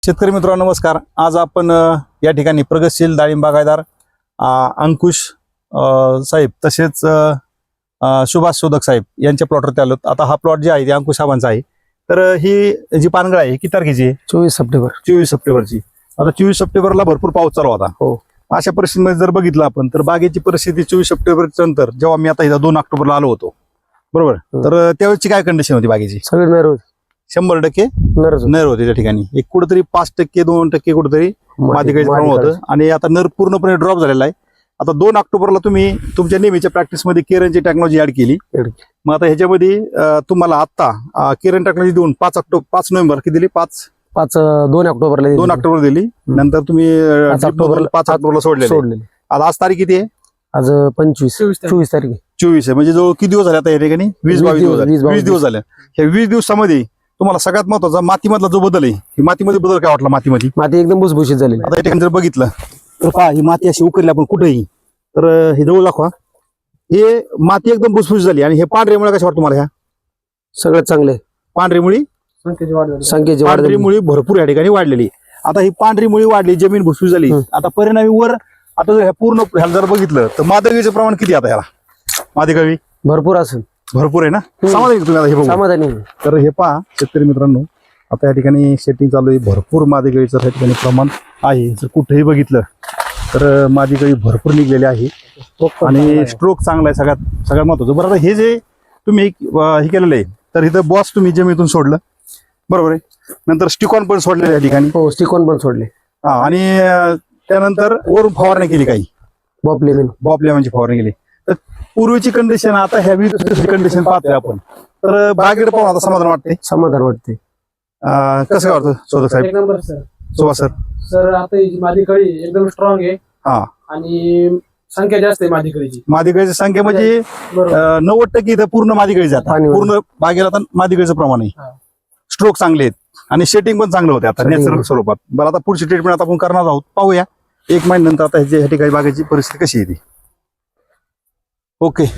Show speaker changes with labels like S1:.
S1: शेतकरी मित्रांनो नमस्कार। आज आपण या ठिकाणी प्रगतशील डाळिंब बागायतदार अंकुश साहेब तसेच सुभाष शोधक साहेब यांच्या प्लॉटवरती आलो। आता हा प्लॉट जे आहे ते अंकुश साहेबांचा आहे। तर ही जी पानगळ आहे किती तारखेची आहे?
S2: 24 सप्टेंबर
S1: 24 सप्टेंबरची। आता 24 सप्टेंबरला भरपूर पाऊस चालू होता।
S2: हो,
S1: अशा परिस्थितीमध्ये जर बघितलं आपण तर बागेची परिस्थिती 24 सप्टेंबरच्या नंतर जेव्हा मी आता इथं 2 ऑक्टोबरला आलो होतो बरोबर, तर त्यावेळेची काय कंडिशन होती बागेची?
S2: सगळे नर
S1: 100% नर होते त्या ठिकाणी। एक कुठेतरी 5% 2% कुठेतरी मादिकाचं प्रमाण होतं आणि आता नर पूर्णपणे ड्रॉप झालेला आहे। आता 2 ऑक्टोबरला तुम्ही तुमच्या नेहमीच्या प्रॅक्टिसमध्ये केरनची टेक्नॉलॉजी ऍड केली। मग आता ह्याच्यामध्ये तुम्हाला आता केरन टेक्नॉलॉजी देऊन 5 नोव्हेंबर किती दिली?
S2: 2 ऑक्टोबरला
S1: 2 ऑक्टोबर दिली। नंतर तुम्ही 5 ऑक्टोबरला सोडले। आता आज तारीख किती आहे?
S2: आज 24 तारीख
S1: 24 आहे। म्हणजे जो किती दिवस झाले आता या ठिकाणी? 20 दिवस झाले। ह्या 20 दिवसामध्ये तुम्हाला सगळ्यात महत्वाचा मातीमधला जो बदल आहे, ही मातीमध्ये बदल काय वाटला? माती
S2: एकदम भुसभुशीत झाली।
S1: आता या ठिकाणी जर बघितलं तर पहा, ही माती अशी उकरली आपण कुठेही, तर हे जवळ दाखवा, हे माती एकदम भुसभुशीत झाली। आणि हे पांढरी मुळे कशा वाटतं तुम्हाला? ह्या
S2: सगळ्यात चांगले
S1: पांढरी मुळी
S2: संख्येची वाढ
S1: पांढरी मुळी भरपूर या ठिकाणी वाढलेली। आता ही पांढरी मुळी वाढली, जमीन भुसभुशीत झाली। आता परिणामी वर आता जर पूर्ण ह्याला जर बघितलं तर मादगळीचं प्रमाण किती आता ह्याला? मादगळी
S2: भरपूर असेल,
S1: भरपूर आहे ना? समाधानी तुम्ही आता हे बघू?
S2: समाधानी।
S1: तर हे पहा शेतकरी मित्रांनो, आता या ठिकाणी सेटिंग चालू आहे, भरपूर मादगळीचं या ठिकाणी प्रमाण आहे। जर कुठेही बघितलं तर मादगळी भरपूर निघलेली आहे आणि स्ट्रोक चांगला आहे सगळ्यात महत्वाचं। बरं, आता हे जे तुम्ही हे केलेलं आहे, तर इथं बॉस तुम्ही जमिनीतून सोडलं बरोबर आहे, नंतर स्टिकॉन पण सोडलेलं या ठिकाणी।
S2: हो, स्टिकॉन पण सोडले।
S1: आणि त्यानंतर वरून फवारणी केली, काही बॉपलेमनची फवारणी केली। तर पूर्वीची कंडिशन आता ह्या कंडिशन पाहतोय आपण, तर बागेकडे पाहून आता समाधान वाटते। कसं वाटतं शोधक साहेब?
S3: एक number sir.
S1: Subhash sir?
S3: Sir आता ही माझी कळी एकदम स्ट्रॉंग आहे
S1: हा,
S3: आणि संख्या जास्त आहे माझी कळीची।
S1: मादिगळीची संख्या म्हणजे 90% इथं पूर्ण मादिगळी जातात। पूर्ण बागेला आता मादिगळीचं प्रमाण आहे, स्ट्रोक चांगले आहेत आणि शेटिंग पण चांगलं होते आता नॅचरल स्वरूपात। बरं, आता पुढची ट्रीटमेंट आता आपण करणार आहोत, पाहूया 1 महिन्यानंतर आता ह्या ठिकाणी बागेची परिस्थिती कशी येते। ओके।